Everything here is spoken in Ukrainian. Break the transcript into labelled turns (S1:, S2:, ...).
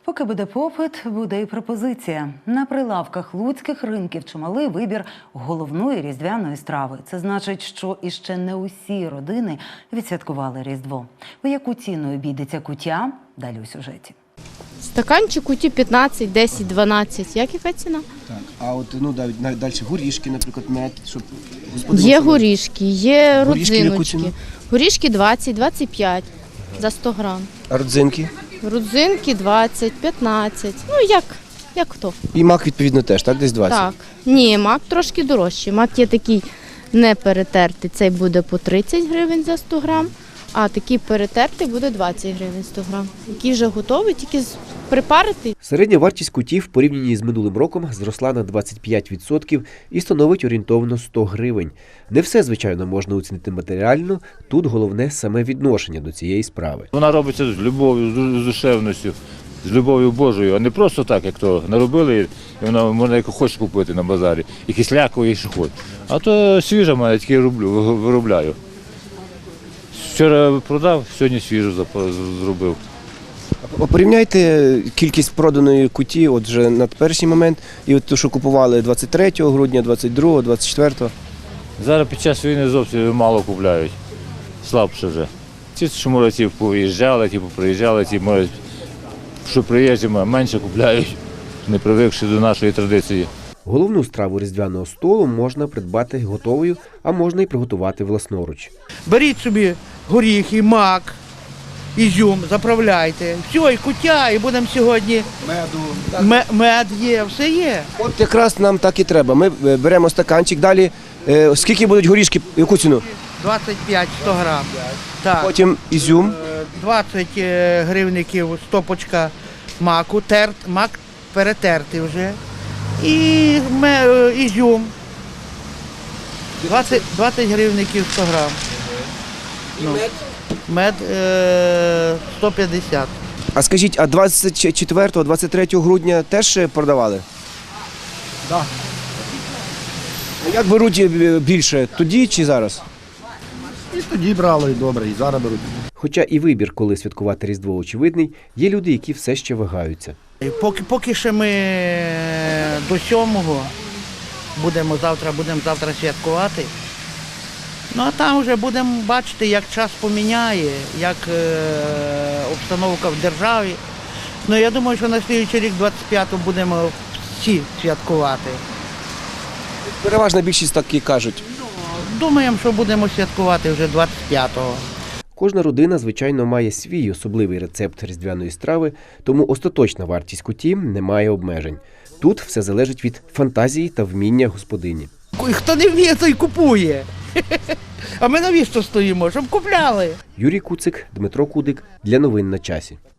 S1: Поки буде попит, буде і пропозиція. На прилавках луцьких ринків чималий вибір головної різдвяної страви. Це значить, що іще не усі родини відсвяткували Різдво. У яку ціну обійдеться куття? Далі у сюжеті.
S2: Стаканчик куті 15, 10, 12. Яка ціна?
S3: Так, а от навіть далі горішки, наприклад, мед, щоб
S2: Є горішки, є
S3: Горішки яку
S2: родзиночки.
S3: ціну?
S2: Горішки 20, 25 за 100 грам.
S3: А родзинки.
S2: Родзинки 20, 15. Ну, як хто.
S3: І мак, відповідно, теж, так? Десь 20?
S2: Так. Ні, мак трошки дорожчий. Мак є такий не перетертий. Цей буде по 30 гривень за 100 грам, а такий перетертий буде 20 гривень 100 грам. Який вже готовий, тільки припарити.
S4: Середня вартість кутів в порівнянні з минулим роком зросла на 25% і становить орієнтовно 100 гривень. Не все, звичайно, можна оцінити матеріально, тут головне саме відношення до цієї справи.
S5: Вона робиться з любов'ю, з душевністю, з любов'ю Божою, а не просто так, як то наробили, і вона можна як хочеш купити на базарі, і кисляковий, і що хочеш. А то свіжа мене тільки виробляю. Вчора продав, сьогодні свіжу зробив.
S3: Порівняйте кількість проданої куті от вже на перший момент і от те, що купували 23 грудня, 22, 24.
S5: Зараз під час війни зовсім мало купляють, слабше вже. Ті, що може, ті поїжджали, ті приїжджали, ті, може, що приїжджі, менше купляють, не привикши до нашої традиції.
S4: Головну страву різдвяного столу можна придбати готовою, а можна і приготувати власноруч.
S6: Беріть собі горіхи, мак, ізюм, заправляйте. Все, і куття, і будемо сьогодні. Мед є, все є.
S3: От якраз нам так і треба. Ми беремо стаканчик, далі скільки будуть горішки, яку ціну?
S6: 25 100 грам. Так.
S3: Потім ізюм.
S6: 20 гривників стопочка маку, мак перетертий вже. І ізюм. 20 гривників 100 грам. Мед 150.
S3: А скажіть, а 24-23 грудня теж продавали? Так. Як беруть більше, тоді чи зараз?
S7: І тоді брали, і добре, і зараз беруть.
S4: Хоча і вибір, коли святкувати Різдво, очевидний, є люди, які все ще вагаються.
S6: Поки ще ми до 7-го будемо завтра святкувати. Ну а там вже будемо бачити, як час поміняє, як обстановка в державі. Ну я думаю, що на слідуючий рік 25-го будемо всі святкувати.
S3: Переважна більшість так і кажуть.
S6: Думаємо, що будемо святкувати вже 25-го.
S4: Кожна родина, звичайно, має свій особливий рецепт різдвяної страви, тому остаточна вартість куті не має обмежень. Тут все залежить від фантазії та вміння господині.
S6: Хто не вміє, той купує. А ми навіщо стоїмо? Щоб купляли.
S4: Юрій Куцик, Дмитро Кудик. Для новин на часі.